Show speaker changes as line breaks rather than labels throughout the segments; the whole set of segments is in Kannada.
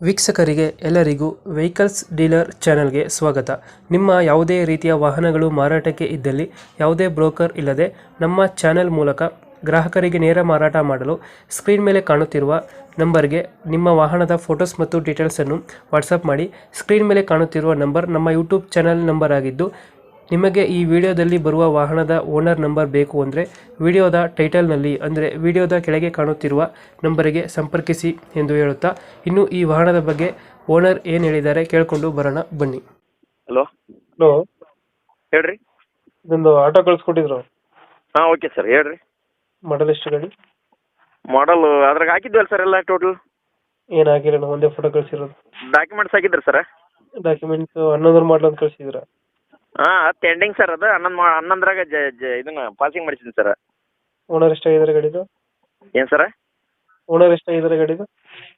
ವೀಕ್ಷಕರಿಗೆ ಎಲ್ಲರಿಗೂ ವೆಹಿಕಲ್ಸ್ ಡೀಲರ್ ಚಾನೆಲ್ಗೆ ಸ್ವಾಗತ. ನಿಮ್ಮ ಯಾವುದೇ ರೀತಿಯ ವಾಹನಗಳು ಮಾರಾಟಕ್ಕೆ ಇದ್ದಲ್ಲಿ ಯಾವುದೇ ಬ್ರೋಕರ್ ಇಲ್ಲದೆ ನಮ್ಮ ಚಾನೆಲ್ ಮೂಲಕ ಗ್ರಾಹಕರಿಗೆ ನೇರ ಮಾರಾಟ ಮಾಡಲು ಸ್ಕ್ರೀನ್ ಮೇಲೆ ಕಾಣುತ್ತಿರುವ ನಂಬರ್ಗೆ ನಿಮ್ಮ ವಾಹನದ ಫೋಟೋಸ್ ಮತ್ತು ಡೀಟೇಲ್ಸನ್ನು ವಾಟ್ಸಪ್ ಮಾಡಿ. ಸ್ಕ್ರೀನ್ ಮೇಲೆ ಕಾಣುತ್ತಿರುವ ನಂಬರ್ ನಮ್ಮ ಯೂಟ್ಯೂಬ್ ಚಾನೆಲ್ ನಂಬರ್ ಆಗಿದ್ದು, ನಿಮಗೆ ಈ ವಿಡಿಯೋದಲ್ಲಿ ಬರುವ ವಾಹನದ ಓನರ್ ನಂಬರ್ ಬೇಕು ಅಂದರೆ ವಿಡಿಯೋದ ಟೈಟಲ್ನಲ್ಲಿ ಅಂದರೆ ವಿಡಿಯೋದ ಕೆಳಗೆ ಕಾಣುತ್ತಿರುವ ನಂಬರಿಗೆ ಸಂಪರ್ಕಿಸಿ ಎಂದು ಹೇಳುತ್ತಾ, ಇನ್ನು ಈ ವಾಹನದ ಬಗ್ಗೆ ಓನರ್ ಏನು ಹೇಳಿದ್ದಾರೆ ಕೇಳಿಕೊಂಡು ಬರೋಣ ಬನ್ನಿ.
ಹಲೋ
ಹಲೋ,
ಹೇಳ್ರಿ.
ಇದೊಂದು ಆಟೋ ಕಳಿಸ್ಕೊಟ್ಟಿದ್ರು,
ಹಾಂ ಓಕೆ ಸರ್, ಹೇಳ್ರಿ.
ಮಾಡಲ್ ಎಷ್ಟು ಗಾಡಿ?
ಮಾಡಲ್ ಅದ್ರಾಗ ಹಾಕಿದ್ವಲ್ಲ ಸರ್ ಎಲ್ಲ ಟೋಟಲ್?
ಏನು ಆಗಿಲ್ಲ, ಒಂದೇ ಫೋಟೋ ಕಳಿಸಿರೋದು.
ಡಾಕ್ಯುಮೆಂಟ್ಸ್ ಹಾಕಿದ್ರಿ ಸರ್?
ಡಾಕ್ಯುಮೆಂಟ್ಸ್ 11 ಮಾಡಲ್ ಅಂತ ಕಳಿಸಿದ್ರ?
ಹಾಂ ಅದು ಎಂಡಿಂಗ್ ಸರ್, ಅದು ಹನ್ನೊಂದರಾಗ ಇದನ್ನ ಪಾಸಿಂಗ್ ಮಾಡಿಸಿದ್ದೀನಿ ಸರ್.
ಓನರ್ ಎಷ್ಟಾಗಿದ್ದಾರೆ ಗಾಡಿದು?
ಏನು ಸರ?
ಓನರ್ ಎಷ್ಟಾಗಿದ್ದಾರೆ ಗಾಡಿದು?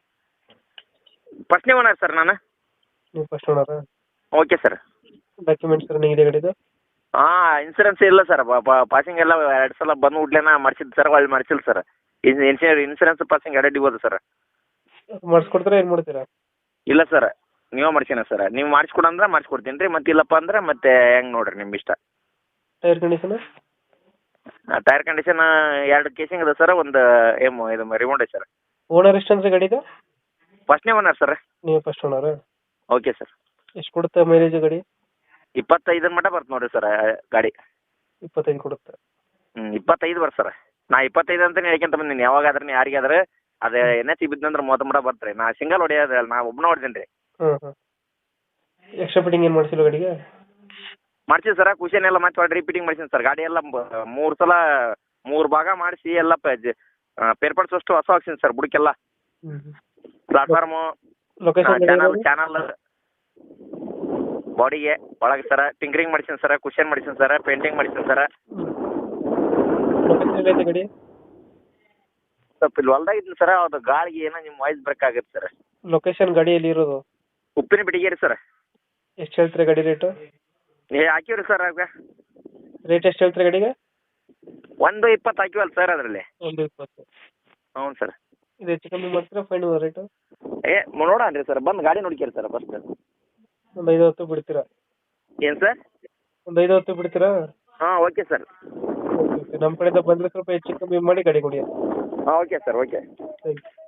ಫಸ್ಟ್ನೇ ಓನರ್ ಸರ್ ನಾನು.
ನೀವು ಫಸ್ಟ್ ಓನರಾ?
Okay sir.
ಡಾಕ್ಯುಮೆಂಟ್ಸ್ ರನ್ನಿಂಗ್ ಇದೆ ಗಾಡಿದು?
ಹಾಂ, ಇನ್ಸೂರೆನ್ಸ್ ಇಲ್ಲ ಸರ್. ಪಾಸಿಂಗ್ ಎಲ್ಲ 2 ಸಲ ಬಂದು ಉಡ್ಲೇನ ಮಾಡಿಸಿದ್ದು ಸರ್, ಒಳ್ಳೆ ಮಾಡಿಸಿಲ್ಲ ಸರ್. ಇನ್ಸೂರೆನ್ಸ್ ಪಾಸಿಂಗ್ ಎರಡೇ ಇಬೋದು ಸರ್.
ಮಾಡಿಸ್ಕೊಡ್ತೀರಾ, ಏನು ಮಾಡ್ತೀರಾ?
ಇಲ್ಲ ಸರ್, ನೀವೇ ಮಾಡ್ಸೀನ ಸರ್. ನೀವು ಮಾಡಿಸ್ಕೊಡಂದ್ರೆ ಮಾಡಿಸ್ಕೊಡ್ತೀನಿ ರೀ, ಮತ್ತೆ ಇಲ್ಲಪ್ಪ ಅಂದ್ರೆ ಮತ್ತೆ ಹೆಂಗೆ ನೋಡಿರಿ ನಿಮ್ಮ ಇಷ್ಟ.
Tyre condition?
Tyre condition 2 casing ಅದ ಸರ್, ಒಂದು ಇದು ರಿಮೋಟ್ ಐತೆ ಸರ್.
ಓನರ್ ಎಷ್ಟು ಅಂದ್ರೆ ಗಾಡಿದು?
ಫಸ್ಟ್ನೇ ಓನರ್ ಸರ್.
ನೀವು ಫಸ್ಟ್ ಓನರಾ?
Okay sir.
ಎಷ್ಟು ಕೊಡುತ್ತೆ ಮೈಲೇಜ್ ಗಾಡಿ?
25 ಮಟ್ಟ ಬರ್ತು ನೋಡಿರಿ ಸರ್ ಗಾಡಿ.
25 ಕೊಡುತ್ತೆ?
25 ಬರ್ತ ಸರ್. ನಾ 25 ಅಂತಲೇ ಹೇಳ್ಕೊಂತ ಬಂದೀನಿ. ಯಾವಾಗಾದ್ರೆ ಯಾರಿಗಾದ್ರೆ ಅದು NH ಬಿದ್ದಂದ್ರೆ 30 ಮಟ್ಟ ಬರ್ತಾರೆ. ನಾ ಸಿಂಗಲ್ ಹೊಡೆಯೋದಲ್ಲ, ನಾ ಒಬ್ಬನ ಹೊಡ್ತೀನಿ ರೀ.
ಎಕ್ಸ್ಟ್ರಾ ಫಿಟ್ಟಿಂಗ್ ಏನು ಮಾಡಿಸಿಲ್ಲ ಗಾಡಿಗೆ?
ಮಾಡ್ಸಿವಿ ಸರ್, ಕುಷನ್ ಎಲ್ಲ ಮತ್ತೆ ಹೊಡಿ ರಿಪೀಟಿಂಗ್ ಮಾಡ್ಸೀನಿ ಸರ್. ಗಾಡಿ ಎಲ್ಲ 3 ಸಲ 3 ಭಾಗ ಮಾಡಿಸಿ ಎಲ್ಲ ಪೇರ್ ಪಾರ್ಟ್ಸ್ ಅಷ್ಟು ಹೊಸ ಹಾಕ್ಸೀನಿ ಸರ್. ಬುಡಕ್ಕೆಲ್ಲ ಪ್ಲಾಟ್ಫಾರ್ಮು, ಚಾನಲ್, ಬಾಡಿಗೆ ಒಳಗೆ ಸರ ಟಿಂಕರಿಂಗ್ ಮಾಡ್ಸೀನಿ ಸರ್, ಕುಷನ್ ಮಾಡ್ಸೀನಿ ಸರ್, ಪೇಂಟಿಂಗ್ ಮಾಡ್ಸೀನಿ ಸರ್.
ಗಾಡಿ
ಸ್ವಲ್ಪ ಇಲ್ಲಿ ಹೊಲ್ದಾಗಿದ್ದೀನಿ ಸರ್, ಅದು ಗಾಳಿಗೆ ಏನೋ ನಿಮ್ಮ ವಾಯ್ಸ್ ಬ್ರೇಕ್ ಆಗುತ್ತೆ ಸರ್.
ಲೊಕೇಶನ್ ಗಾಡಿ ಎಲ್ಲಿ ಇರೋದು?
ಉಪ್ಪಿನ ಬಿಡಿಗೇರಿ ಸರ್.
ಎಷ್ಟು ಹೇಳ್ತೀರಾ ಗಾಡಿ ರೇಟು?
ಹಾಕಿವ್ರಿ ಸರ್. ಆಗ
ರೇಟ್ ಎಷ್ಟು ಹೇಳ್ತೀರಾ ಗಾಡಿಗೆ?
120 ಹಾಕಿವಲ್ಲ ಸರ್ ಅದರಲ್ಲಿ.
120?
ಹ್ಞೂ ಸರ್.
ಇದು ಹೆಚ್ಚು ಕಮ್ಮಿ ಮಾಡ್ತೀರಾ ಫೈನಲ್ ರೇಟು?
ನೋಡೋಣ ಸರ್, ಬಂದು ಗಾಡಿ ನೋಡ್ಕೇರಿ ಸರ್ ಫಸ್ಟ್.
ಒಂದು 5-10 ಬಿಡ್ತೀರಾ?
ಏನು ಸರ್?
ಒಂದು 5-10 ಬಿಡ್ತೀರಾ?
ಹಾಂ ಓಕೆ ಸರ್.
ಓಕೆ, ನಮ್ಮ ಕಡೆಯಿಂದ ಬಂದರೆ ಸ್ವಲ್ಪ ಹೆಚ್ಚು ಕಮ್ಮಿ ಮಾಡಿ ಗಾಡಿ ಕೊಡಿ.
ಹಾಂ okay sir, okay.
Thank you.